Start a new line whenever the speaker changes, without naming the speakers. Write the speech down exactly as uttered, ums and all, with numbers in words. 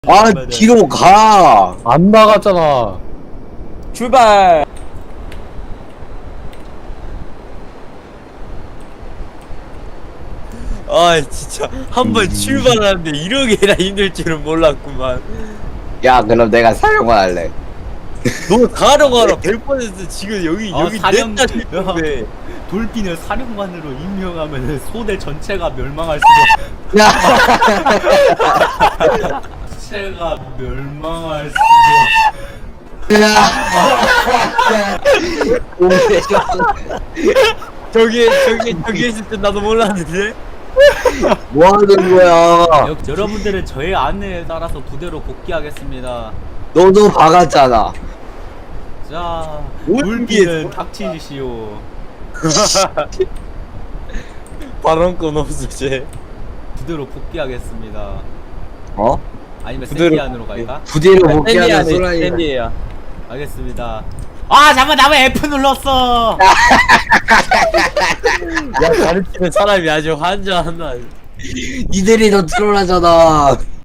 아 뒤로 가.
안 나갔잖아.
출발. 아 진짜 한 번 출발하는데 이러게나 힘들 줄은 몰랐구만.
야 그럼 내가 사령관 할래.
너 가러 가라. 백 퍼센트 지금 여기
어,
여기
사령-
냈다 싶은데.
돌핀을 사령관으로 임명하면 소대 전체가 멸망할 수도.
야.
전체가 멸망할 수도.
저기 저기 저기 있을 때 나도 몰랐는데.
뭐 하는 거야?
여, 여러분들은 저의 안내에 따라서 부대로 복귀하겠습니다.
너도 박았잖아.
자,
뭔
돌핀은
뒤에서?
닥치시오.
발언권 없어 쟤.
부대로 복귀하겠습니다.
어?
아니면
부대로
샌디안으로 갈까?
부대로 복귀하는 소라이.
샌디야.
알겠습니다. 아 잠깐 나 왜 F 눌렀어?
야 가르치는 사람이 아주 환장한다.
니들이 더 트롤하잖아.